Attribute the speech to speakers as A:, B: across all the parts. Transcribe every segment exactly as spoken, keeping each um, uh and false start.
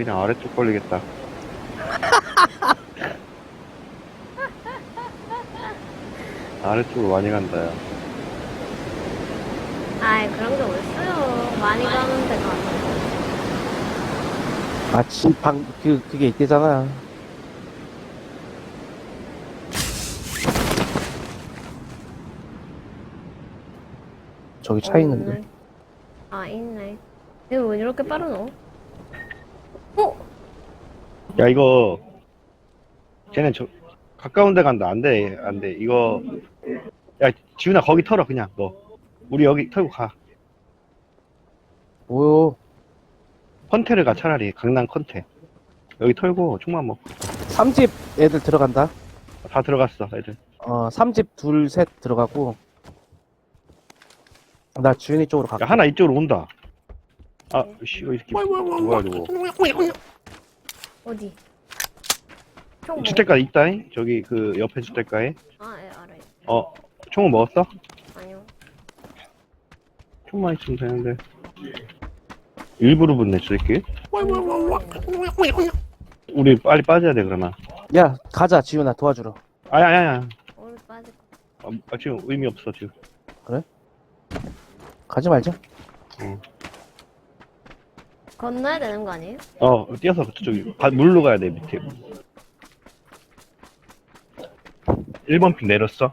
A: 그냥 아래쪽 걸리겠다. 아래쪽으로 많이 간다, 야.
B: 아이, 그런 게 어딨어요. 많이 가는 데가 아니고.
C: 마치 방, 그, 그게 있대잖아. 저기 차 있는데.
B: 없네. 아, 있네. 이거 왜 이렇게 빠르노? 어?
A: 야, 이거, 쟤네 저, 가까운 데 간다. 안 돼, 안 돼. 이거, 야, 지훈아, 거기 털어, 그냥, 너. 우리 여기 털고 가.
C: 뭐요?
A: 컨테를 가, 차라리. 강남 컨테. 여기 털고, 총만 먹고.
C: 삼집 애들 들어간다.
A: 다 들어갔어, 애들.
C: 어, 삼집 둘, 셋 들어가고. 나 주윤이 쪽으로
A: 야,
C: 갈게.
A: 하나 이쪽으로 온다. 아, 씨, 이거 이렇게. 뭐야, 저거.
B: 어디? 총 먹...
A: 주택가 있다잉? 저기, 그, 옆에 주택가에.
B: 아, 예, 알아요.
A: 어, 총은 먹었어?
B: 아니요.
A: 총만 있으면 되는데. 일부러 붙네, 저 새끼. 우리 빨리 빠져야 돼, 그러면.
C: 야, 가자, 지윤아, 도와주러.
A: 아야, 아야, 아야.
B: 오늘 빠질 거.
A: 아, 아, 지금 의미 없어, 지금.
C: 가지 말자.
B: 건너야 되는 거 아니에요?
A: 어, 뛰어서 저쪽이. 바- 물로 가야 돼, 밑에. 일 번 핀 내렸어.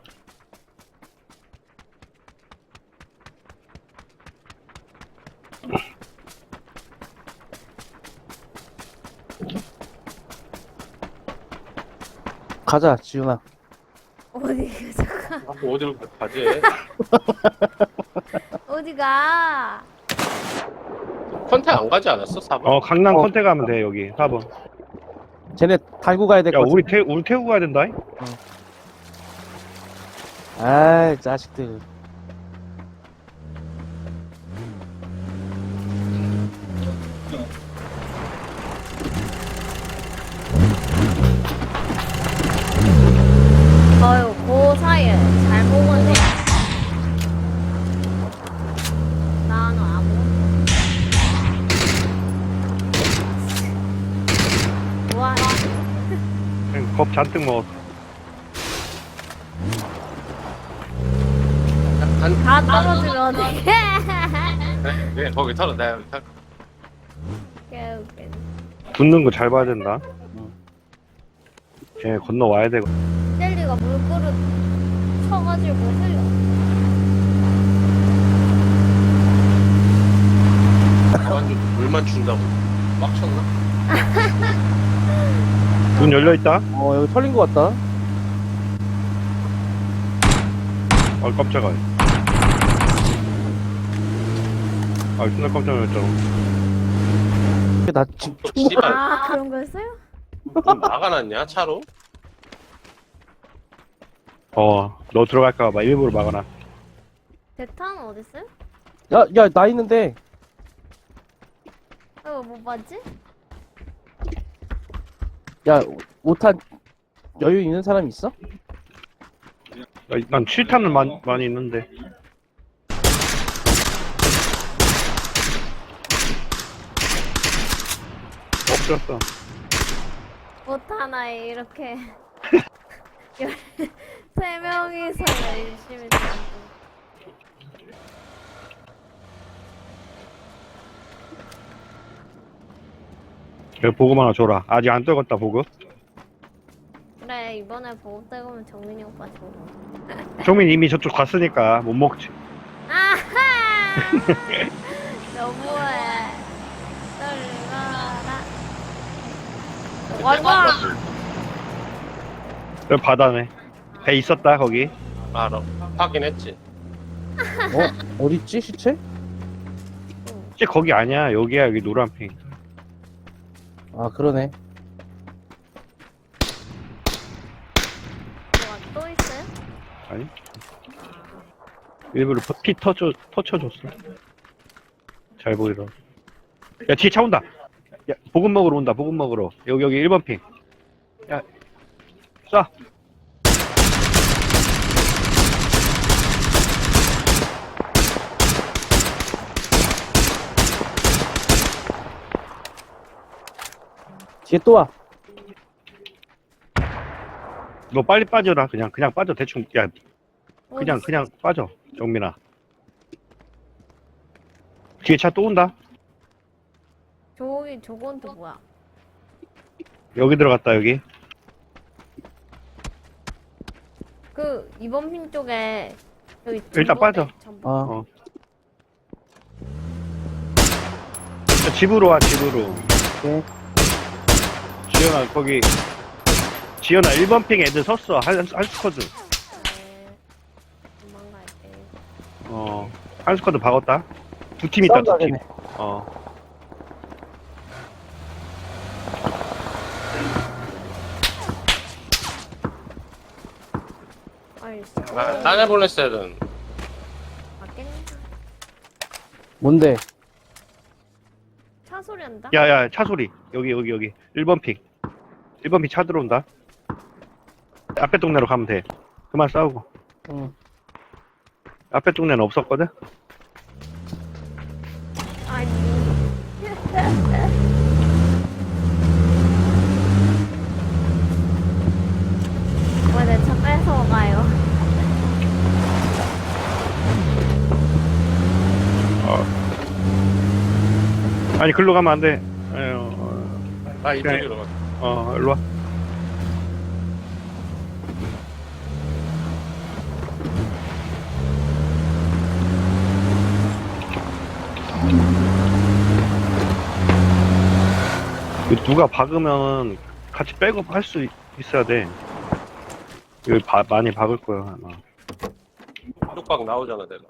C: 가자, 지윤아.
B: 어디 가?
D: 아, 어디로 가지?
B: 어디 가?
D: 컨택 안 가지 않았어? 사 번?
A: 어, 강남
C: 어.
A: 컨테 가면 돼, 여기. 사 번.
C: 쟤네 달고 가야 될
A: 야,
C: 것 같아.
A: 우리 태, 우리 태우고 가야 된다.
C: 아이, 자식들.
B: 어휴, 그 사이에 잘 보면 돼. 나는 아무것도. 와,
A: 그냥 겁 잔뜩 먹었어.
D: 한,
B: 다 떨어지면 어떡해.
D: 네, 네, 거기 털어. 내가 여기 털.
B: 개웃기네.
A: 붙는 거 잘 봐야 된다. 쟤 건너와야 되고.
B: 젤리가 물그릇 쳐가지고 흘려.
D: 완전 물만 준다고. 막 쳤나?
A: 문 열려있다?
C: 어, 여기 털린 것 같다.
A: 아, 깜짝아. 아, 존나 깜짝 놀랐잖아.
C: 나 지금
D: 또 씨발.
B: 아, 그런 거였어요?
D: 문 막아놨냐, 차로?
A: 어, 너 들어갈까봐 일부러 막아놔.
B: 대탄 어딨어요?
C: 야, 야, 나 있는데.
B: 이거 못 봤지?
C: 야, 오탄 여유 있는 사람 있어?
A: 야, 난 칠 탄은 많이, 많이 있는데. 없었어.
B: 옷 하나에 이렇게 열- 세 명이서 열심히 살고.
A: 그래, 보급 하나 줘라. 아직 안 떨궜다, 보급.
B: 그래, 이번에 보급 떼고면 정민이 오빠 줘.
A: 종민 이미 저쪽 갔으니까 못 먹지.
B: 아하! 너무해. 떨려라. 와봐!
A: 여기 바다네. 배 있었다, 거기.
D: 알아. 확인했지.
C: 어? 어딨지, 시체?
A: 쟤 거기 아니야. 여기야, 여기 노란핑.
C: 아, 그러네.
B: 뭐가 또 있어요?
A: 아니? 일부러 퍼- 피 터쳐, 터쳐줬어. 잘 보이라. 야, 뒤에 차 온다. 야, 보급 먹으러 온다, 보급 먹으러. 여기, 여기 일 번 핑. 야, 쏴.
C: 뒤에 또 와.
A: 너 빨리 빠져라. 그냥 그냥 빠져. 대충 야 그냥
B: 어디-
A: 그냥 빠져. 정민아. 뒤에 차 또 온다.
B: 저기 저건 또 뭐야?
A: 여기 들어갔다 여기.
B: 그 이번 핀 쪽에 여기
A: 일단
B: 전봇대,
A: 빠져.
B: 전봇대.
C: 어.
A: 어. 자, 집으로 와 집으로.
C: 네.
A: 지연아 거기. 지연아 일 번 핑 애들 섰어. 한, 한 스쿼드.
B: 네. 도망갈게.
A: 어. 한 스쿼드 박았다. 두 팀 있다 두 팀.
C: 싸움나겠네.
A: 어.
B: 아이,
D: 아, 딴애 보냈어야 되는.
B: 맞겠네.
C: 뭔데?
B: 차 소리 한다?
A: 야야 차 소리. 여기 여기 여기. 일 번 핑. 일 번 핑 차 들어온다. 앞에 동네로 가면 돼. 그만 싸우고.
C: 응.
A: 앞에 동네는 없었거든?
B: 아니. 왜 내 차 뺏어가요?
A: 아니 글로 가면 안 돼. 아유, 어,
D: 나 이쪽으로 가.
A: 어 일로 와. 이거 누가 박으면 같이 백업 할 수 있어야 돼. 이거 바- 많이 박을 거야 아마.
D: 뚝박 나오잖아, 내가.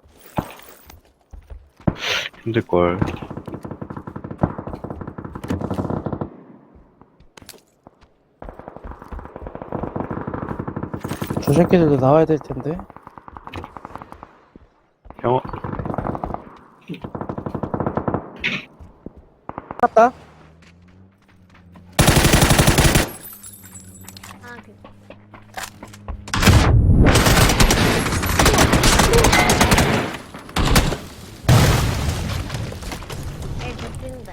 A: 힘들걸.
C: 저 새끼들도 나와야 될 텐데.
A: 형,
C: 갔다.
B: 아, 됐다. 에이, 됐긴데.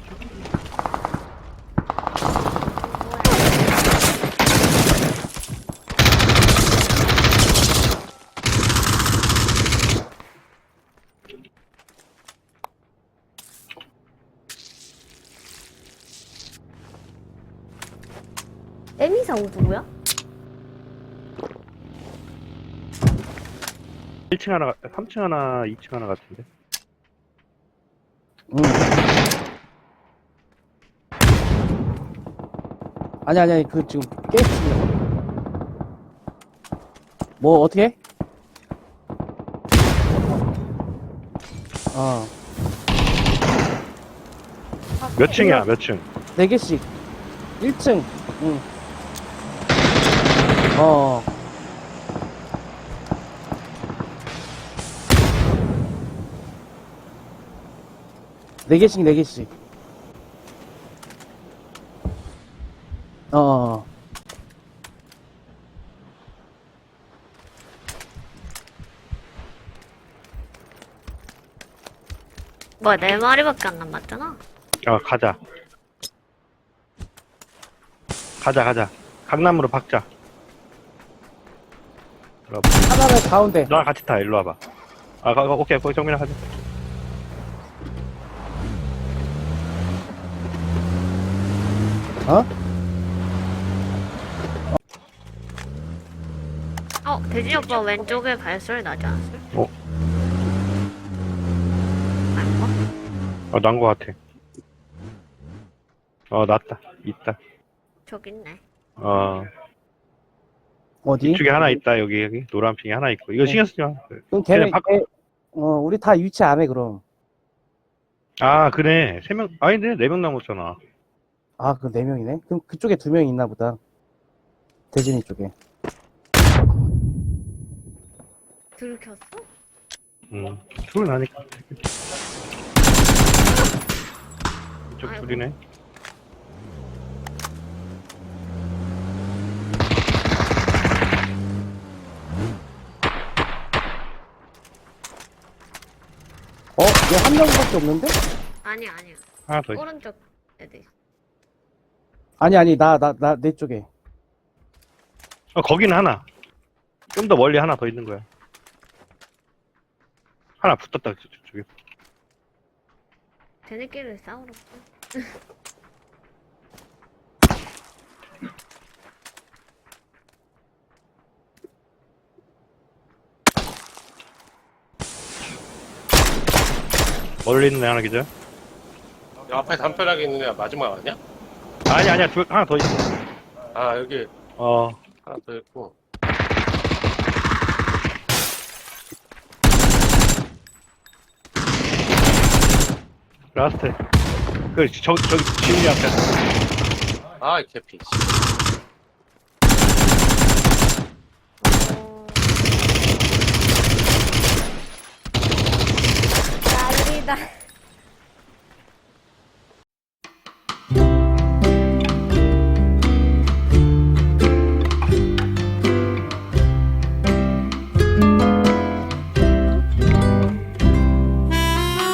B: 에미사 오 누구야?
A: 일 층 하나, 삼 층 하나, 이 층 하나 같은데.
C: 응. 아니 아니 아니 그 지금 게임 중이야. 뭐 어떻게 해? 어.
A: 몇 층이야, 몇 층?
C: 네 개씩. 일 층. 응. 어. 네 개씩, 네 개씩. 어, 어.
B: 뭐야, 네 마리밖에 안 남았잖아?
A: 아, 가자. 가자, 가자. 강남으로 박자. 일로 와봐.
C: 하나는 가운데.
A: 너랑 같이 타, 일로 와봐. 아, 가, 가, 오케이, 거기 정민아 가자.
C: 어?
B: 어, 대진이 오빠 왼쪽에 발소리 나지 않았어?
A: 어?
B: 아닌가?
A: 어, 난 거 같아. 어, 났다. 있다.
B: 저기 있네.
A: 어,
C: 어디?
A: 이쪽에 하나 있다, 여기, 여기. 노란 핑이 하나 있고. 이거
C: 네.
A: 신경 쓰지 마.
C: 그럼 걔네,
A: 걔네 바-
C: 걔, 어, 우리 다 위치 안 해, 그럼.
A: 아, 그래. 세 명, 아닌데? 네 명 남았잖아.
C: 아, 그 네 명이네? 그럼 그쪽에 두 명 있나 보다. 대진이 쪽에.
B: 들켰어?
A: 음, 둘 나니까. 이쪽
B: 아이고.
A: 둘이네.
C: 어? 얘 한 명밖에 없는데?
B: 아니야, 아니야.
A: 하나 더 있어.
B: 오른쪽 애들.
C: 아니, 아니, 나, 나, 나, 내 쪽에.
A: 어, 거기는 하나. 좀 더 멀리 하나 더 있는 거야. 하나 붙었다, 저- 저쪽에.
B: 쟤네끼리 싸우러.
A: 멀리 있는 애 하나 기절?
D: 야, 앞에 담벼락에 있는 애가 마지막 아니야?
A: 아니, 아니야. 두, 하나 더 있어.
D: 아, 여기
A: 어,
D: 하나 더 있고.
A: 라스트. 그, 저, 저기, 지훈이 앞에.
D: 아, 이 개피.